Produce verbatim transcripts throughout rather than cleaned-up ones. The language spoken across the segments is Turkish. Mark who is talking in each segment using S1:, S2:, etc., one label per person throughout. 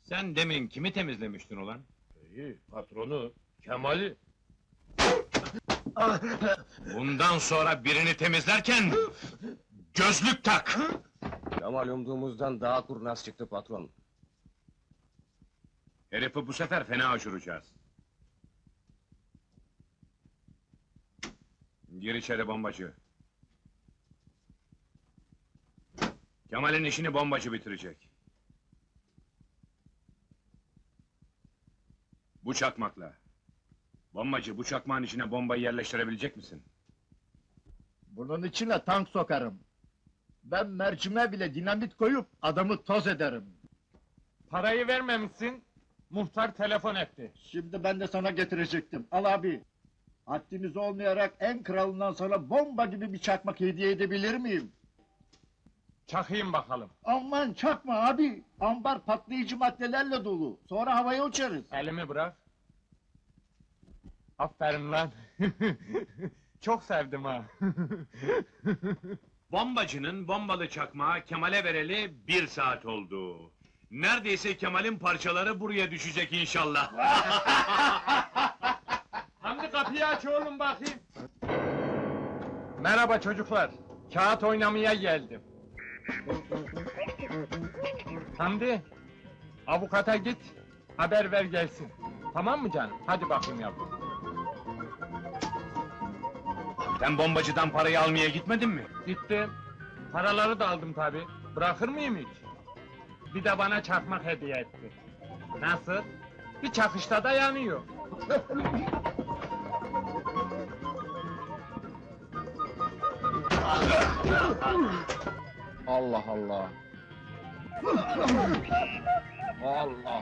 S1: Sen demin kimi temizlemiştin ulan?
S2: İyi, patronu, Kemal'i.
S1: Bundan sonra birini temizlerken... gözlük tak!
S3: Kemal umduğumuzdan daha kurnaz çıktı patron.
S1: Herifi bu sefer fena uçuracağız. Gir içeri bombacı. Kemal'in işini bombacı bitirecek. Bu çakmakla. Bombacı, bu çakmağın içine bombayı yerleştirebilecek misin?
S4: Bunun içine tank sokarım. Ben mercime bile dinamit koyup adamı toz ederim.
S2: Parayı vermemişsin, muhtar telefon etti.
S4: Şimdi ben de sana getirecektim. Al abi. Haddiniz olmayarak en kralından sana bomba gibi bir çakmak hediye edebilir miyim?
S2: Çakayım bakalım.
S4: Aman çakma abi. Ambar patlayıcı maddelerle dolu. Sonra havaya uçarız.
S2: Elimi bırak. Aferin lan. Çok sevdim ha.
S1: Bombacının bombalı çakmağı Kemal'e vereli bir saat oldu. Neredeyse Kemal'in parçaları buraya düşecek inşallah.
S2: Hamdi kapıyı aç oğlum bakayım. Merhaba çocuklar. Kağıt oynamaya geldim. Hamdi, avukata git, haber ver gelsin. Tamam mı canım? Hadi bakayım yavrum.
S1: Sen bombacıdan parayı almaya gitmedin mi?
S2: Gittim. Paraları da aldım tabi. Bırakır mıyım hiç? Bir de bana çakmak hediye etti. Nasıl? Bir çakışta da yanıyor.
S3: Allah Allah. Allah.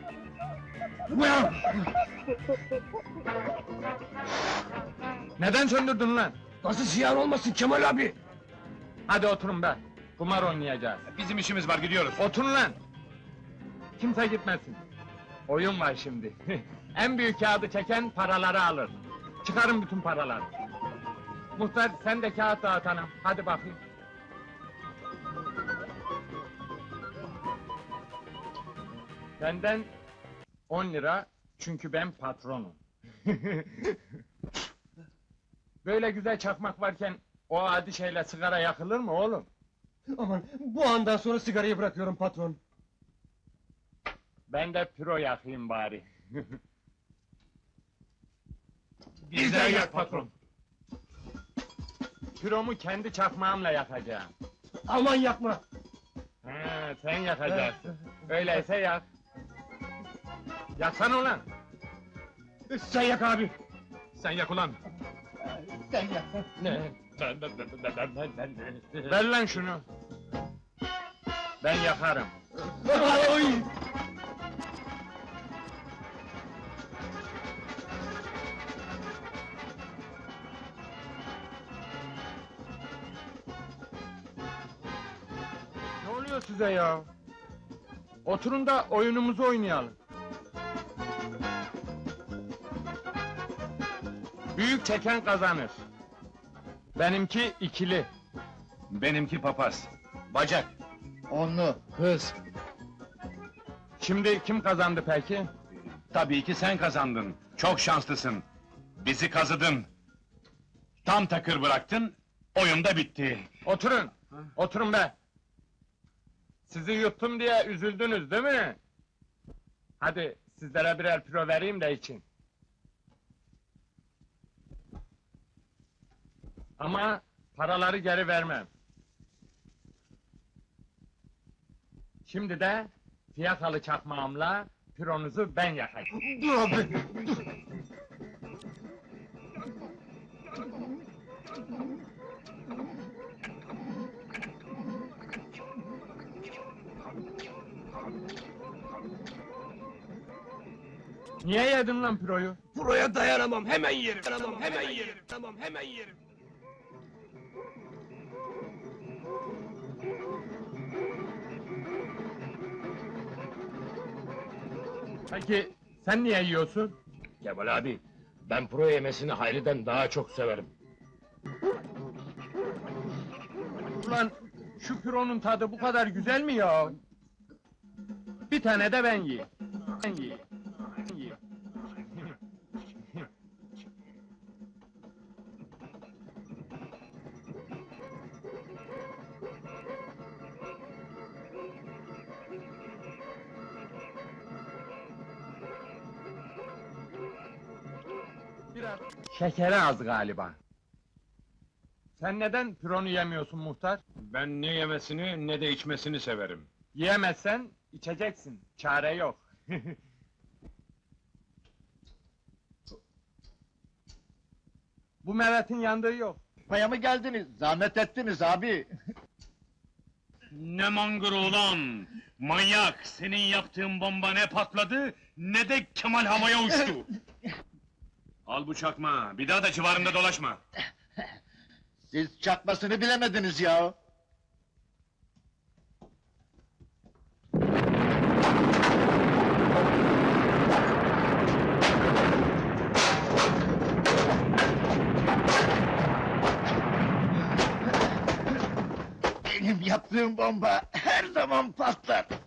S2: Neden söndürdün lan?
S3: Nasıl ziyan olmasın Kemal abi?
S2: Hadi oturun be. Kumar oynayacağız.
S1: Bizim işimiz var, gidiyoruz.
S2: Oturun lan! Kimse gitmesin. Oyun var şimdi. En büyük kağıdı çeken paraları alır. Çıkarın bütün paraları. Muhtar sen de kağıt dağıt hanım. Hadi bakayım. Benden on lira çünkü ben patronum. Böyle güzel çakmak varken o adi şeyle sigara yakılır mı oğlum?
S3: Aman bu andan sonra sigarayı bırakıyorum patron.
S2: Ben de püro yakayım bari.
S1: Bizden yak patron.
S2: Püromu kendi çakmağımla yakacağım.
S3: Aman yapma.
S2: Ha, sen yakacaksın. Öyleyse yak. Yaksana ulan!
S3: Sen yak abi.
S1: Sen yak ulan.
S4: Sen yap.
S2: Ne? Ver lan şunu! Ben yakarım.
S3: Oy!
S2: Ne oluyor size ya? Oturun da oyunumuzu oynayalım. Büyük çeken kazanır. Benimki ikili.
S1: Benimki papaz. Bacak.
S4: Onlu.
S3: Hız.
S2: Şimdi kim kazandı peki?
S1: Tabii ki sen kazandın. Çok şanslısın. Bizi kazıdın. Tam takır bıraktın, oyun da bitti.
S2: Oturun! Oturun be! Sizi yuttum diye üzüldünüz değil mi? Hadi sizlere birer püro vereyim de için. Ama paraları geri vermem. Şimdi de fiyakalı çakmağımla püronuzu ben yakayım.
S3: Dur abi.
S2: Niye yedin lan püroyu?
S3: Buraya dayanamam, hemen yerim. Dayanamam, hemen yerim. Tamam, hemen yerim.
S2: Peki sen niye yiyorsun?
S3: Kemal abi, ben pro yemesini Hayri'den daha çok severim.
S2: Ulan şu püronun tadı bu kadar güzel mi ya? Bir tane de ben yiyeyim. Ben yiyeyim. Ben yiyeyim. Biraz şekeri az galiba. Sen neden pironu yemiyorsun muhtar?
S1: Ben ne yemesini ne de içmesini severim.
S2: Yiyemezsen içeceksin. Çare yok. Bu Mehmet'in yandığı yok.
S4: Paya mı geldiniz? Zahmet ettiniz abi.
S1: Ne mangır ulan! Manyak! Senin yaptığın bomba ne patladı, ne de Kemal havaya uçtu! Al bu çakma, bir daha da civarında dolaşma!
S4: Siz çakmasını bilemediniz ya. Benim yaptığım bomba her zaman patlar.